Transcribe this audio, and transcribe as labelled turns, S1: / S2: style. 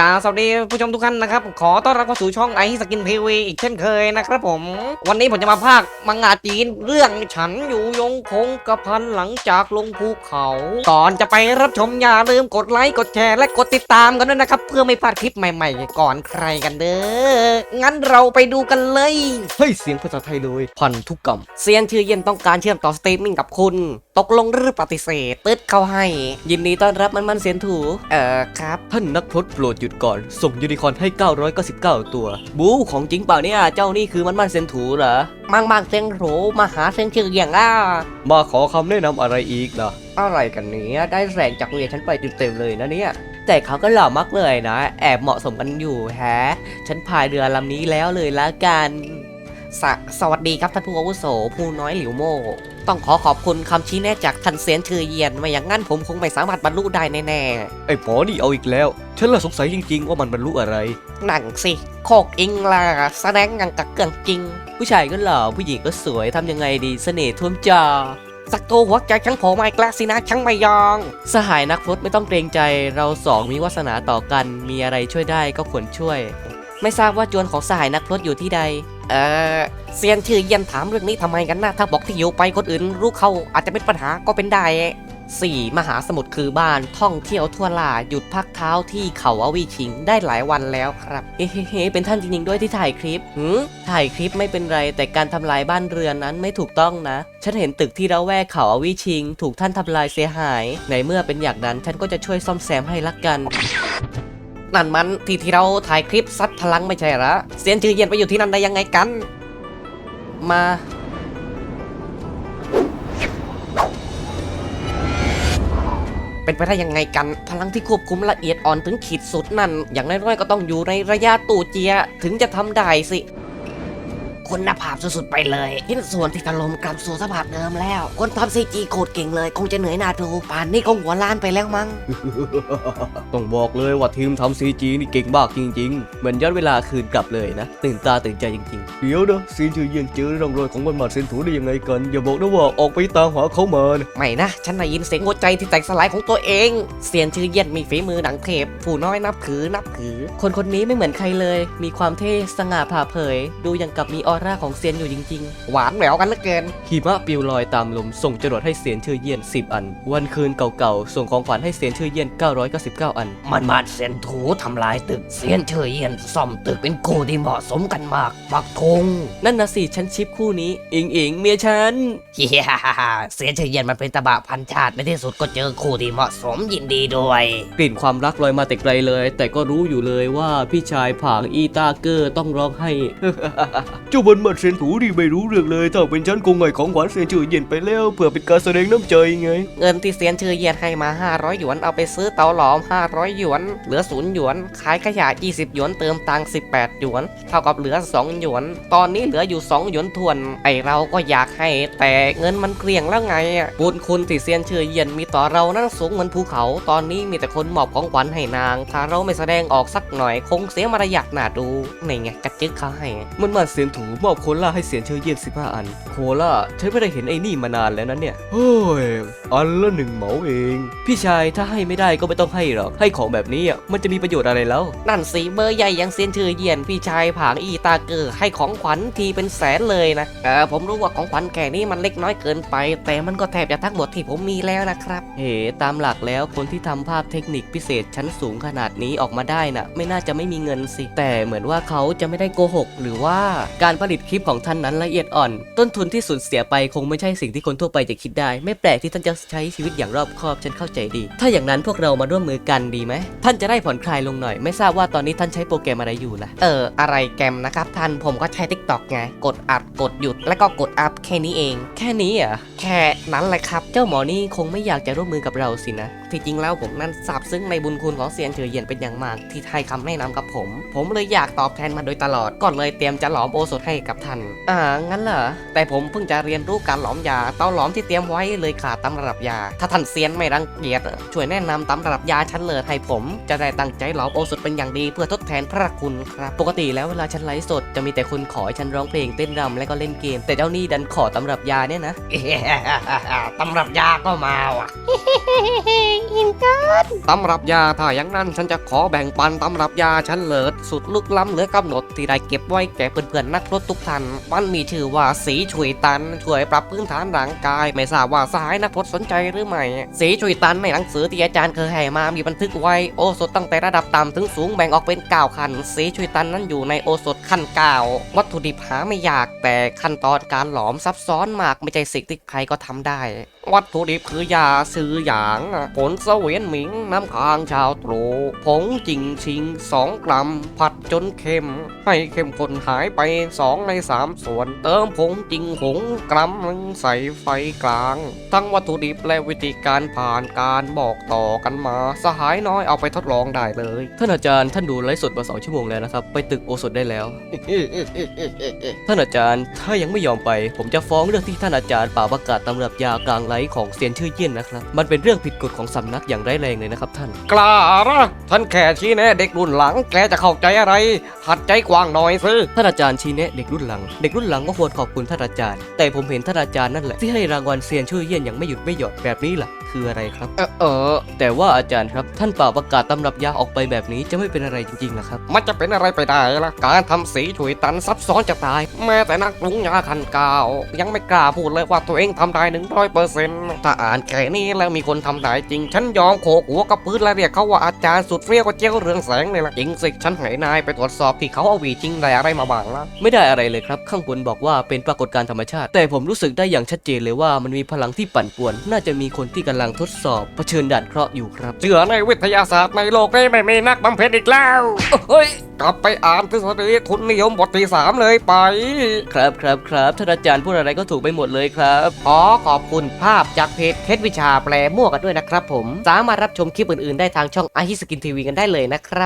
S1: สวัสดีผู้ชมทุกท่านนะครับขอต้อนรับเข้าสู่ช่องไอสกินทีวีอีกเช่นเคยนะครับผมวันนี้ผมจะมาพากย์มังงะจีนเรื่องฉันอยู่ยงคงกระพันหลังจากลงภูเขาก่อนจะไปรับชมอย่าลืมกดไลค์กดแชร์และกดติดตามกันด้วยนะครับเพื่อไม่พลาดคลิปใหม่ๆก่อนใครกันเด้องั้นเราไปดูกันเลยเฮ้ยเสียงภาษาไทยเลยพันธุกรรมเซียนชื่อเย็นต้องการเชื่อมต่อสตรีมมิ่งกับคุณตกลงหรือปฏิเสธตึ๊ดเข้าให้ยินดีต้อนรับมันเซียนถูครับท่านนักพรตโปรดหยุดก่อนส่งยูนิคอร์นให้999ตัวบู๊ของจริงเปล่าเนี่ยเจ้านี่คือมันเซียนถูเหรอมังเซียนถูมาหาเซียนชื่อเย็นมาขอคำแนะนำอะไรอีกนะอะไรกันเนี้ยได้แรงจากเรียนฉันไปเต็มเลยนะเนี่ยแต่เขาก็หล่อมากเลยนะแอบเหมาะสมกันอยู่แฮะฉันพายเรือลำนี้แล้วเลยละกันสวัสดีครับท่านผู้อาวุโสผู้น้อยหลิวโม่ต้องขอบคุณคำชี้แนะจากท่านเซียนชื่อเยียนไม่อย่างงั้นผมคงไม่สามารถบรรลุได้แน่ๆไอ้หมอนี่เอาอีกแล้วฉันละสงสัยจริงๆว่ามันบรรลุอะไรหนังสิโคกอิงล่ะแสดงอย่างกับเกินจริงผู้ชายก็หล่อผู้หญิงก็สวยทำยังไงดีเสน่ห์ท่วมจอสักตัวหัวใจช่างโผล่มาอีกแล้วสินะช่างไม่ยองสหายนักพรตไม่ต้องเกรงใจเราสองมีวาสนาต่อกันมีอะไรช่วยได้ก็ควรช่วยไม่ทราบว่าจวนของสหายนักพรตอยู่ที่ใดเซียนชื่อเยียนถามเรื่องนี้ทำไมกันนะถ้าบอกที่อยู่ไปคนอื่นรู้เขาอาจจะเป็นปัญหาก็เป็นได้4มหาสมุทรคือบ้านท่องเที่ยวทั่วลาหยุดพักเท้าที่เขาอวีชิงได้หลายวันแล้วครับเฮ้เป็นท่านจริงๆด้วยที่ถ่ายคลิปถ่ายคลิปไม่เป็นไรแต่การทำลายบ้านเรือนนั้นไม่ถูกต้องนะฉันเห็นตึกที่ระแวกเขาอวีชิงถูกท่านทำลายเสียหายในเมื่อเป็นอย่างนั้นฉันก็จะช่วยซ่อมแซมให้ละกันนั่นมันที่เราถ่ายคลิปซัดพลังไม่ใช่เหรอเซียนชื่อเย็นไปอยู่ที่นั่นได้ยังไงกันมาเป็นไปได้ยังไงกันพลังที่ควบคุมละเอียดอ่อนถึงขีดสุดนั่นอย่างน้อยๆก็ต้องอยู่ในระยะตู่เจียถึงจะทำได้สิคุณภาพสุดๆไปเลยชิ้นส่วนที่ถล่มกลับสู่สภาพเดิมแล้วคนทำซีจีโคตรเก่งเลยคงจะเหนื่อยหน้าดูป่านนี้คงหัวล้านไปแล้วมั้ง
S2: ต้องบอกเลยว่าทีมทำซีจีนี่เก่งมากจริงๆเหมือนย้อนเวลาคืนกลับเลยนะตื่นตาตื่นใจจริงๆเดี๋ยวนะซีนชื่อเยี่ยนเจอร่องรอยของมันเซนถูได้ยังไงกันอย่าบอกนะว่าออกไปตามหาเขามา
S1: ไม่นะฉันได้ยินเสียงหัวใจที่แตกสลายของตัวเองเซียนชื่อเยี่ยนมีฝีมือหนังเทพผู้น้อยนับถือคนนี้ไม่เหมือนใครเลยมีความเท่สง่าผ่าเผยดูอย่างกับมีออร่าของเซียนอยู่จริงๆหวานแหววกันเหลือเกิน
S2: หิมะปลิวลอยตามลมส่งจรวดให้เซียนชื่อเยี่ยน10 อันวันคืนเก่าๆส่งของขวัญให้เซียนชื่อเยี่ยน999 อัน
S1: มันเซียนถูทำลายตึกเซียนชื่อเยี่ยนซ่อมตึกเป็นคู่ที่เหมาะสมกันมากปักธง
S2: นั่นนะสิฉันชิปคู่นี้อิงเมียฉัน
S1: เฮียเซียนชื่อเยี่ยนมันเป็นตะบะพันชาติในที่สุดก็เจอคู่ที่เหมาะสมยินดีด้วย
S2: กลิ่นความรักลอยมาแต่ไกลเลยแต่ก็รู้อยู่เลยว่าพี่ชายผางอีตาเกอร์ต้องร้องไห้ เจ้าบนมัดเซียนถูดีไม่รู้เรื่องเลยถ้าเป็นฉันคงไงของหวานเซียนชื่อเย็นไปแล้วเพื่อเป็นการแสดงน้ำใจไง
S1: เงินที่เซียนชื่อเย็นให้มา500หยวนเอาไปซื้อเตาหลอม500หยวนเหลือ0หยวนขายขยะ20หยวนเติมตังค์18หยวนเท่ากับเหลือ2หยวนตอนนี้เหลืออยู่2หยวนทวนไอเราก็อยากให้แต่เงินมันเกลี้ยงแล้วไงบุญคุณที่เซียนชื่อเย็นมีต่อเรานั้นสูงเหมือนภูเขาตอนนี้มีแต่คนมอบของขวัญให้นางถ้าเราไม่แสดงออกสักหน่อยคงเสียมารยาทน่าดูนี่ไงกระจึกเขาให้
S2: มันเซียนถูมอบโคล่าให้เซียนชื่อเย็น15 อันโคล่าฉันไม่ได้เห็นไอ้นี่มานานแล้วนั้นเนี่ยเฮ้ยอันละ1 เหมาเองพี่ชายถ้าให้ไม่ได้ก็ไม่ต้องให้หรอกให้ของแบบนี้มันจะมีประโยชน์อะไรแล้ว
S1: นั่นสิเบอร์ใหญ่ยังเซียนชื่อเยียนพี่ชายผางอีตาเกอร์ให้ของขวัญทีเป็นแสนเลยนะผมรู้ว่าของขวัญแค่นี้มันเล็กน้อยเกินไปแต่มันก็แทบจะทั้งหมดที่ผมมีแล้วนะครับ
S2: ตามหลักแล้วคนที่ทำภาพเทคนิคพิเศษชั้นสูงขนาดนี้ออกมาได้น่ะไม่น่าจะไม่มีเงินสิแต่เหมือนว่าเขาจะไม่ได้โกหกหรือว่าการผลิตคลิปของท่านนั้นละเอียดอ่อนต้นทุนที่สูญเสียไปคงไม่ใช่สิ่งที่คนทั่วไปจะคิดได้ไม่แปลกที่ท่านจะใช้ชีวิตอย่างรอบคอบฉันเข้าใจดีถ้าอย่างนั้นพวกเรามาร่วมมือกันดีไหมท่านจะได้ผ่อนคลายลงหน่อยไม่ทราบว่าตอนนี้ท่านใช้โปรแกรมอะไรอยู่ล่ะ
S1: อะไรแกรมนะครับท่านผมก็ใช้ TikTok ไงกดอัดกดหยุดแล้วก็กดอัพแค่นี้เอง
S2: แค่นี้อ่ะ
S1: แค่นั้นแหละครับเจ้าหมอนี่คงไม่อยากจะร่วมมือกับเราสินะที่จริงแล้วผมนั้นซาบซึ้งในบุญคุณของเซียนเฉยเยียนเป็นอย่างมากที่ให้คำแนะนำกับผมเลยอยากตอบแทนมาโดยตลอดก็เลยเตรียมจะหลอมโอสถให้กับท่านงั้นเหรอแต่ผมเพิ่งจะเรียนรู้การหลอมยาเตาหลอมที่เตรียมไว้เลยขาดตำรับยาถ้าท่านเซียนไม่รังเกียจช่วยแนะนำตำรับยาชั้นเลิศให้ผมจะได้ตั้งใจหลอมโอสถเป็นอย่างดีเพื่อทดแทนพระคุณครับปกติแล้วเวลาฉันไลฟ์สดจะมีแต่คนขอให้ฉันร้องเพลงเต้นรำและก็เล่นเกมแต่เจ้านี่ดันขอตำรับยาเนี่ยนะตำรับยาก็มาว่ะอินเกินตำรับยาถ้าอย่างนั้นฉันจะขอแบ่งปันตำรับยาฉันเลิศสุดลึกล้ำเหลือกำหนดที่ได้เก็บไว้แก่เพื่อนๆนักรถทุกท่านมันมีชื่อว่าสีฉุยตันช่วยปรับพื้นฐานร่างกายไม่ทราบว่าสหายนักรถสนใจหรือไม่สีฉุยตันในหนังสือที่อาจารย์เคยให้มามีบันทึกไว้โอสถตั้งแต่ระดับต่ำถึงสูงแบ่งออกเป็น9ขั้นสีฉุยตันนั้นอยู่ในโอสถขั้น9วัตถุดิบหาไม่ยากแต่ขั้นตอนการหลอมซับซ้อนมากไม่ใช่สิ่งที่ใครก็ทำได้วัตถุดิบคือยาซื้อหยางผลเสวียนหมิงน้ำค้างชาวตรูผงจิงชิง2 กรัมผัดจนเค็มให้เข้มข้นหายไป2 ใน 3 ส่วนเติมผงจิงหงกรัมหนึ่งใส่ไฟกลางทั้งวัตถุดิบและวิธีการผ่านการบอกต่อกันมาสหายน้อยเอาไปทดลองได้เลย
S2: ท่านอาจารย์ท่านดูไลฟ์สดมา2 ชั่วโมงแล้วนะครับไปตึกโอสถได้แล้ว ท่านอาจารย์ถ้ายังไม่ยอมไปผมจะฟ้องเรื่องที่ท่านอาจารย์ป่าประกาศตำรับยากลางไลฟ์ของเซียนชื่อเยี่ยนนะครับมันเป็นเรื่องผิดกฎของสำนักอย่างร้ายแรงเลยนะครับท่าน
S1: กล้าละท่านแค่ชี้แนะเด็กรุ่นหลังแกจะเข้าใจอะไรหัดใจกว้างหน่อยสิ
S2: ท่านอาจารย์ชี้แนะเด็กรุ่นหลังเด็กรุ่นหลังก็ควรขอบคุณท่านอาจารย์แต่ผมเห็นท่านอาจารย์นั่นแหละที่ให้รางวัลเซียนชื่อเยี่ยนอย่างไม่หยุดไม่หย่อนแบบนี้ล่ะคืออะไรครับแต่ว่าอาจารย์ครับท่านป่าประกาศตำรับยาออกไปแบบนี้จะไม่เป็นอะไรจริงๆนะครับ
S1: มันจะเป็นอะไรไปได้ล่ะการทำสีฉุยตันซับซ้อนจะตายแม้แต่นักปรุงยาขั้นเก้ายังไม่กล้าพูดเลยว่าตัวเองทำได้100%ถ้าอ่านแค่นี้แล้วมีคนทำได้จริงฉันยอมโขกหัวกับพื้นและเรียกเขาว่าอาจารย์สุดเฟี้ยวก็เจ้าเรืองแสงเลยล่ะจริงสิฉันให้นายไปตรวจสอบที่เขาเอาหวีจริงได้อะไรมาบ้างล่ะ
S2: ไม่ได้อะไรเลยครับข้างบนบอกว่าเป็นปรากฏการณ์ธรรมชาติแต่ผมรู้สึกได้อย่างชัดเจนเลยว่ามันมีพลังที่ปั่นป่วนน่าจะมีคนที่กำลังทดสอบเผชิญด่านเคราะห์อยู่ครับ
S1: เชื่อในวิทยาศาสตร์ในโลกนี้ไม่มีนักบำเพ็ญอีกแล้วเฮ้ยกลับไปอ่านทฤษฎีทุนนิยมบทที่ 3เลยไป
S2: ครับท่านอาจารย์พูดอะไรก็ถูกไปหมดเลยครับ
S1: ขอขอบคุณภาพจากเพจเคสวิชาแปลมั่วกันด้วยนะครับผมสามารถรับชมคลิปอื่นๆได้ทางช่องไอฮิสกินทีวีกันได้เลยนะครับ